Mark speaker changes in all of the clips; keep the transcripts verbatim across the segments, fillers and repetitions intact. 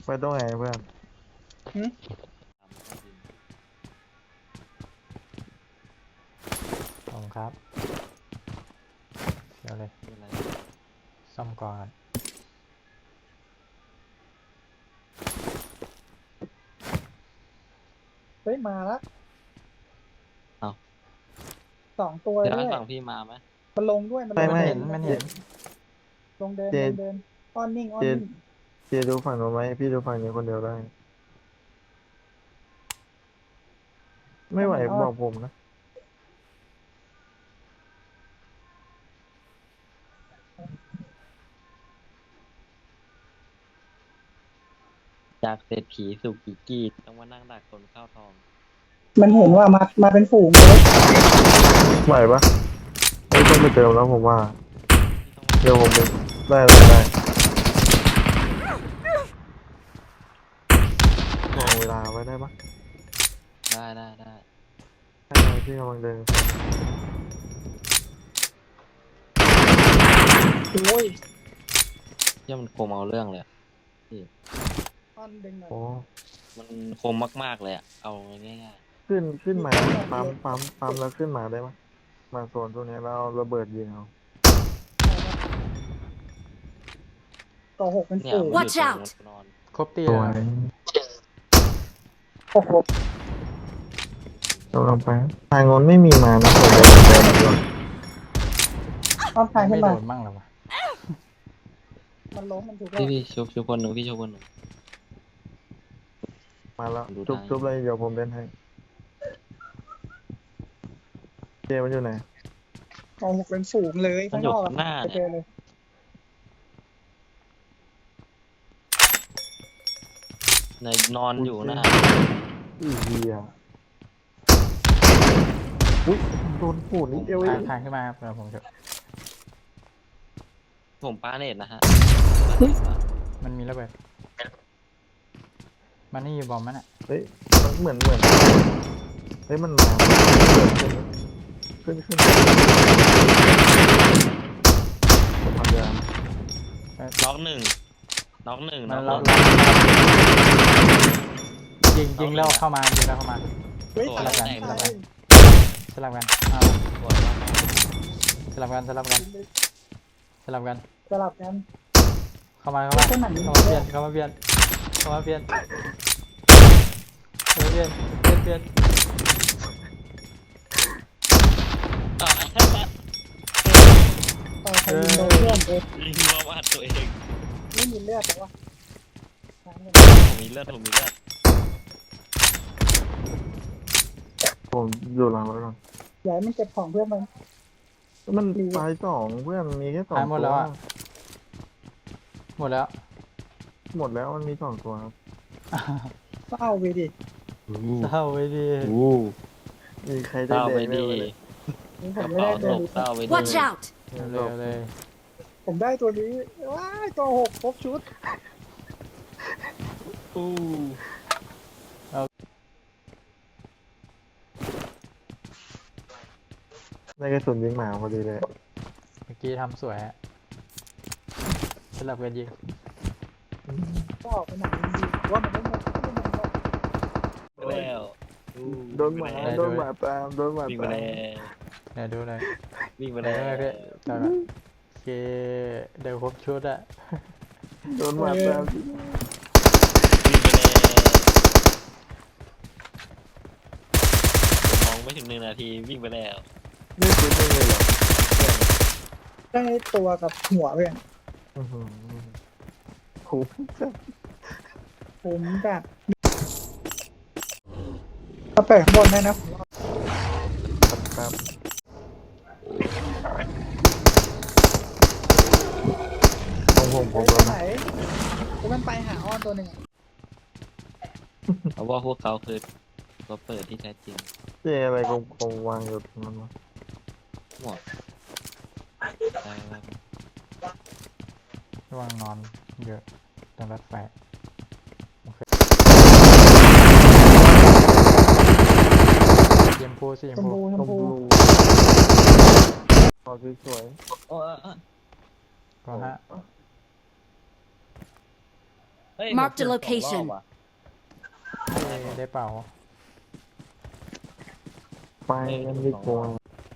Speaker 1: ไปตรงไหนเพื่อน
Speaker 2: หึ
Speaker 3: ขอบคุณครับเดี๋ยวเลยซ่อมก่อน
Speaker 2: เฮ้ยมาละ
Speaker 4: เอา
Speaker 2: สองตัว
Speaker 4: เดี๋ยว
Speaker 2: ด้
Speaker 4: ให้
Speaker 2: วย
Speaker 4: ฝั่งพี่มาไหม
Speaker 2: มันลงด้วยมันล
Speaker 1: ไม่
Speaker 2: ง
Speaker 1: ไม่
Speaker 3: เห็นมันเห็น
Speaker 2: ลงเดิน
Speaker 1: เจ
Speaker 2: ลงเดินอ้อนนิ่งอ้อน
Speaker 1: เจ
Speaker 2: นิ่ง
Speaker 1: เจดูฝั่งหนูไหมพี่ดูฝั่งนี้คนเดียวได้ ไม่ไหวบอกผมนะ
Speaker 4: จากเศรษฐีสู่กิกกี้ต้องมานั่งดักคนเข้าทอง
Speaker 2: มันเห็นว่ามามาเป็นฝูงเลย
Speaker 1: ไหวปะไม่ต้องไปเติมแล้วผมว่า เดี๋ยวผมไปได้เลยได้มองเวลาไว้ได้ปะ
Speaker 4: ได้ได้ได้
Speaker 1: ให้เราที่กำลังเดิน
Speaker 2: โอ้ย
Speaker 4: เที่ยมันคมเอาเรื่องเลยอะพี่
Speaker 2: อ้อนดึงหน่อย
Speaker 1: โอ้
Speaker 4: มันคมมากๆเลยอะเอาง่าย
Speaker 1: ขึ้นขึ้นมาปั๊มปั๊มปั๊มแล้วขึ้นมาได้ปะมาโซนตัวนี้แล้วเอาระเบิดยิงเอา
Speaker 2: ต่อหกเป็น
Speaker 4: ๆเนี่ย
Speaker 2: ฝูง
Speaker 4: มันอยู่
Speaker 5: Watch
Speaker 4: ตรง
Speaker 5: out
Speaker 4: มันนอน
Speaker 3: ครบตี
Speaker 1: ตั
Speaker 3: แล้ว ว
Speaker 2: โอ้โห
Speaker 1: กำลังไปทางโน้นไม่มีมานะผมเลยเดินก่อน
Speaker 2: อ้อนทาง
Speaker 3: ไม่
Speaker 2: ขึ้น
Speaker 3: โด
Speaker 2: มาน
Speaker 3: มั่งหรอวะ
Speaker 2: มันล้มมันถูกแล้
Speaker 4: พี่
Speaker 2: ว
Speaker 4: พี่ชุบชุบคนหนึ่งพี่ชุบคนหนึ่ง
Speaker 1: มาแล้ว
Speaker 4: ดู
Speaker 1: จุบ
Speaker 4: ทาง
Speaker 1: จุบเลยเดี๋ยวผมเล่นให้เจมันอยู่ไหน
Speaker 2: ต่อหกเป็นฝูงเลย
Speaker 4: มัน
Speaker 2: ข้าง
Speaker 4: อน ยู่
Speaker 2: อก
Speaker 4: ข้างหน้า
Speaker 2: ไปเจ
Speaker 4: เนี่ย
Speaker 2: อเลย
Speaker 4: ในนอนอยู่หน้า
Speaker 1: อีเหี้ยอุ้ยโดนปูนิดเดียวเอ
Speaker 3: ทาง
Speaker 1: ง
Speaker 3: ทางขึ้นมาครับเดี๋ยวผมจะ
Speaker 4: ผมปาเนตนะฮะ
Speaker 3: มันมีระเบิดมันนี่อยู่บอมมันอ่ะ
Speaker 1: เฮ้ยมันเหมือนเหมือนเฮ้ยมันมาขึ้นขึ้นขึ้นผมพยายาม
Speaker 4: น็อกหนึ่งน็อกหนึ่ง
Speaker 3: มั
Speaker 4: น็
Speaker 3: น
Speaker 4: อก
Speaker 3: เรา
Speaker 4: หนึ่ง
Speaker 3: ยิงยิงแล้วเข้ามายิงแล้วเข้ามา
Speaker 2: เฮ้ย
Speaker 4: ตัว
Speaker 2: ตาย
Speaker 4: แรก
Speaker 2: ตาย
Speaker 4: แตก
Speaker 2: ตาย
Speaker 3: สลับกันอ่า
Speaker 4: ปวดมาก
Speaker 3: สลับกันสลับกันสลับกัน
Speaker 2: สลับกัน
Speaker 3: เข้ามาเข้ามา
Speaker 2: เส้นหนังนี้
Speaker 3: เข้ามาเปลี่ยนเข้ามาเปลี่ยนเข้ามาเปลี่ยนเข้ามาเปลี่ยนเปลี่ยนเปลี่ยน
Speaker 4: ๆต่อ
Speaker 2: ต่อใครยิงโดนเพื่อนเอง
Speaker 4: ยิงมาว่าตัวเอง
Speaker 2: ไม่มีเลือดแต่ว่าทางเงิน
Speaker 4: ผมมีเลือดผมมีเลือด
Speaker 1: ผมอยู่หลังรถก่อน
Speaker 2: อย่าให้มันเก็บของเพื่อนมัน
Speaker 1: มันตายสองเพื่อนมีแค่สอง
Speaker 3: หายหมด
Speaker 1: ตั
Speaker 3: แล้ว วอ่ะหมดแล้ว
Speaker 1: หมดแล้วมันมีสองตัวครับ
Speaker 2: เศร้าไปดิ
Speaker 3: เศร้าไปดิ
Speaker 1: มีใคร
Speaker 4: เศ
Speaker 1: ได้
Speaker 4: ร้า
Speaker 1: แด
Speaker 4: ไป
Speaker 1: งไหม
Speaker 4: ดี
Speaker 2: นี่ผ
Speaker 4: ก
Speaker 2: ม
Speaker 4: ระ
Speaker 2: ไม่
Speaker 4: เป๋า
Speaker 2: ได้ตัว
Speaker 4: ตก
Speaker 2: นี้
Speaker 4: เศร้าไปดี
Speaker 5: Watch out!
Speaker 3: เร็วเลย
Speaker 2: ผมได้ตัวนี้ว้ายตัวหกครบชุด
Speaker 4: อู้
Speaker 1: ได้กระสุนยิงหมาพอดีเลย
Speaker 3: เมื่อกี้ทำสวยอะสลับกันยิง
Speaker 2: ก็ออกไปไหนดีว่ามันไม่หมดไม่หมดหรอก
Speaker 4: แล้วอู้
Speaker 1: โดนหมาโดนหมาตามโดนหมา
Speaker 4: วิ่งไป
Speaker 1: ตาม
Speaker 4: แล้ว
Speaker 3: เดี๋ยวดูหน่อย
Speaker 4: วิ่งไป
Speaker 3: เดี๋
Speaker 4: แล้
Speaker 3: ยว
Speaker 4: ว
Speaker 3: ดูหน่อยพี่จอดก่อนโอเคเดี๋ยวครบชุดอะ
Speaker 1: โดนหมาตาม
Speaker 4: วิ่งไปแล้วมองไม่ถึงหนึ่งนาทีวิ่งไปแล้ว
Speaker 1: ไม่ซื้อไม่เลยเหรอ
Speaker 2: ได้ตัวกับหัวเพื่อน
Speaker 1: อื้อหือคุ้มจัด
Speaker 2: ผมแบบถ้าเปิดข้างบนได้นะ
Speaker 1: ครับของผมผมโดน
Speaker 2: ไหนผมมันไปหาอ้อนตัวหนึ่ง
Speaker 4: เพราะว่าพวกเขาคือตัวเปิดที่แท้จริง
Speaker 1: เจอะไรกลมๆวางอยู่ตรงนั้นวะ
Speaker 4: หมดได้แล้ว
Speaker 3: ระวังนอนเยอะตรงรถไฟโอเคเยมพูสิเย
Speaker 2: ช
Speaker 3: ม
Speaker 2: ม
Speaker 3: พู
Speaker 2: พูช
Speaker 1: ช
Speaker 2: ม
Speaker 1: ม
Speaker 2: พู
Speaker 1: พูพอสวย
Speaker 4: โอ้เออ
Speaker 3: ก็ฮะ
Speaker 1: ๆ
Speaker 4: เฮ้ย
Speaker 5: Mark the
Speaker 4: ผมเจอสองรอบ
Speaker 5: location
Speaker 4: ว่ะ
Speaker 3: ได้ได้เปล่า
Speaker 1: ไปกันดีกว่า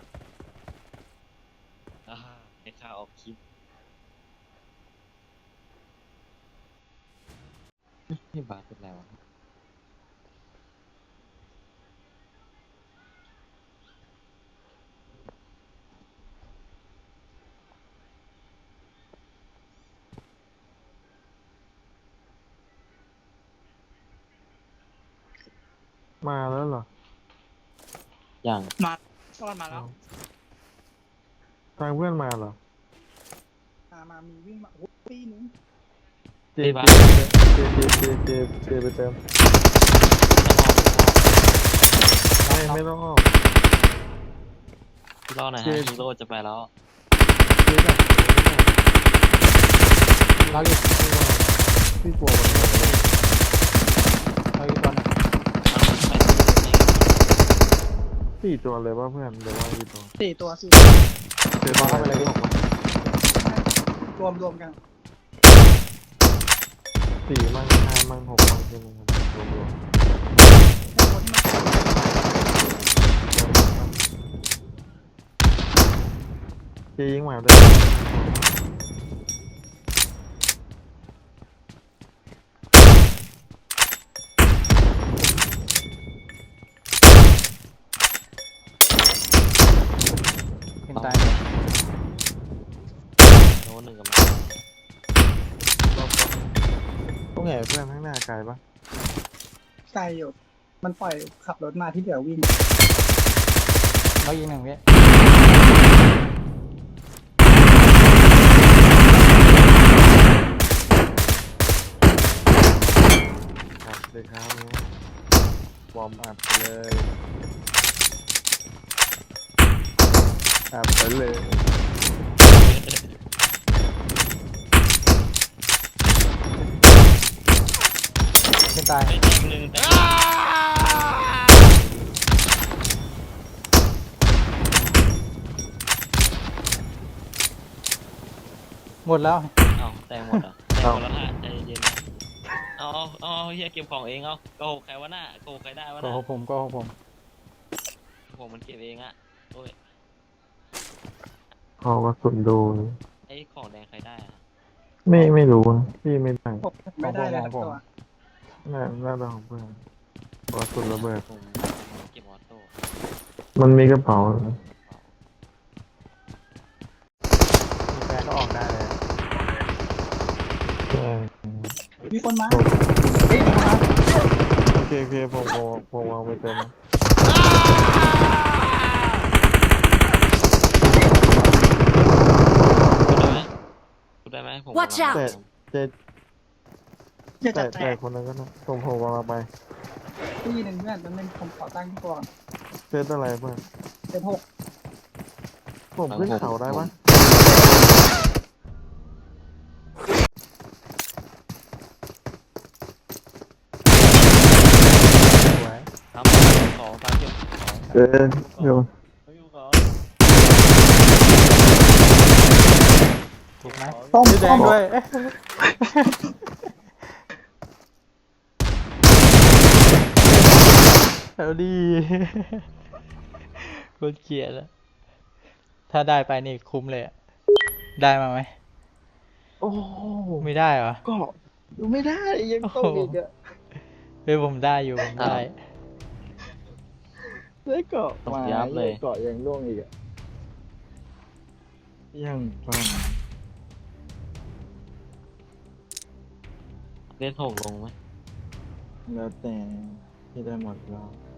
Speaker 4: อ่าในข่าวออกคลิปนี่บาสเป็นไรวะ
Speaker 1: มาแล้วเหรอ
Speaker 4: อย่าง
Speaker 2: มาซ่อนมาแล้ว
Speaker 1: ทางเพื่อนมาเหรอ
Speaker 2: มามามีวิ่งมาโอ้โหปีนึง
Speaker 1: เจเจเจเจเจเจไปเติมไม่ไม่ต้องออก
Speaker 4: พี่รอหน่อย
Speaker 1: เจ๊
Speaker 4: ฮะฮีโร่จะไปแล้ว
Speaker 1: เจแบบ
Speaker 3: เราอีก
Speaker 1: พี่กลัวมันหมดเลย
Speaker 3: เราอีกตัวหนึง
Speaker 1: สี่ตัวเลยว่าเพื่อนเดี๋ยวว่ากี่ตัว
Speaker 2: สี่ตัวสี่
Speaker 1: เจอเข้าไปเลยบอกว่าร
Speaker 2: วมรวมกัน
Speaker 1: สี่มั่งห้ามั่งหกมั่งใช่ไหมครับรวมรวม
Speaker 2: ไอ้ตัวที่มัน
Speaker 1: เจยิงหมาด้วย
Speaker 3: ขึ้นตาย
Speaker 4: โน้นหนึ่งกำลัง
Speaker 1: ต้องแห่เพื่อนข้างหน้าไกลปะ
Speaker 2: ไกลอยู่ มันปล่อยขับรถมาที่เหลือวิ่ง
Speaker 3: เราอีกหนึ่งเว้ย
Speaker 1: อัดเลยครับนี้วอร์มอัดไปเลยอัดไปเลย
Speaker 3: ขึ้นตาย
Speaker 4: ไม่จริงหนึ่งแต่
Speaker 3: หมดแล้ว
Speaker 4: เอาแต่งหมดเหรอแต่งหมดแล้วฮะใจเย็นๆนะเอาเอาเอาเอาเฮียเก็บของเองเอาโกหกใครวะน่ะโกหกใครได้วะ
Speaker 3: ก็
Speaker 4: น่ะ
Speaker 3: หกผมก็หกผม
Speaker 4: ผมมันเก็บเองอะโอ้ย
Speaker 1: พอกระสุนดู
Speaker 4: ไอ้ของแดงใครได้อะ
Speaker 1: ไม่ไม่รู้นะพี่ไม่ได้
Speaker 2: ผมไม่ได้เลยครับตัว
Speaker 1: น่าน่าจะของเพื่อนพอกระสุนระเบิด
Speaker 4: ผมผมเก็บออโต้
Speaker 1: มันมีกระเป๋าเหรอ
Speaker 3: มีแฟนก็ออกได้เลย
Speaker 1: ใช่
Speaker 2: มีคนมาเฮ้ยมา
Speaker 1: โอเคโอเคผมผมผมวางไปเต็มนะ
Speaker 4: พูดได้ไหมพูดได้ไหมผม
Speaker 5: Watch
Speaker 4: กำลัง
Speaker 5: out
Speaker 1: แต่เจ
Speaker 2: อย่า
Speaker 1: แต่
Speaker 2: จัดแต
Speaker 1: แต่
Speaker 2: ก
Speaker 1: คนนั้นก็นะผมผมวางไป
Speaker 2: ปีหนึ่งเพื่อนตอนนึงผมขอตั้งที่ก่อน
Speaker 1: เซตอะไรเพื่อน
Speaker 2: เป็นหก
Speaker 1: ผมขึ้นเขาได้ปะ
Speaker 3: สวย
Speaker 4: ทำสองตามเก็บสอง
Speaker 1: เออโยน
Speaker 4: เขาอยู่ก่อน
Speaker 3: ถูกไหม
Speaker 2: ต้ม
Speaker 3: สีแด
Speaker 2: ต้
Speaker 3: ง
Speaker 2: ม
Speaker 3: ด้วยเอ๊ะเอาดีโคตรเกลียดแล้วถ้าได้ไปนี่คุ้มเลยอะได้มาไหม
Speaker 1: โอ้โห
Speaker 3: ไม่ได้เหรอ
Speaker 1: ก็ดูไม่ได้ยังต้องอีกอะ
Speaker 3: เฮ้ยผมได้อยู่ผมได้
Speaker 1: ได้เกาะ
Speaker 4: ต้อง
Speaker 1: มา
Speaker 4: ยับเลย
Speaker 1: เกาะยังร่วงอีกอะยังฟัง
Speaker 4: เล่นหกลงไหม
Speaker 1: แล้วแต่ที่ได้หมดแล้ว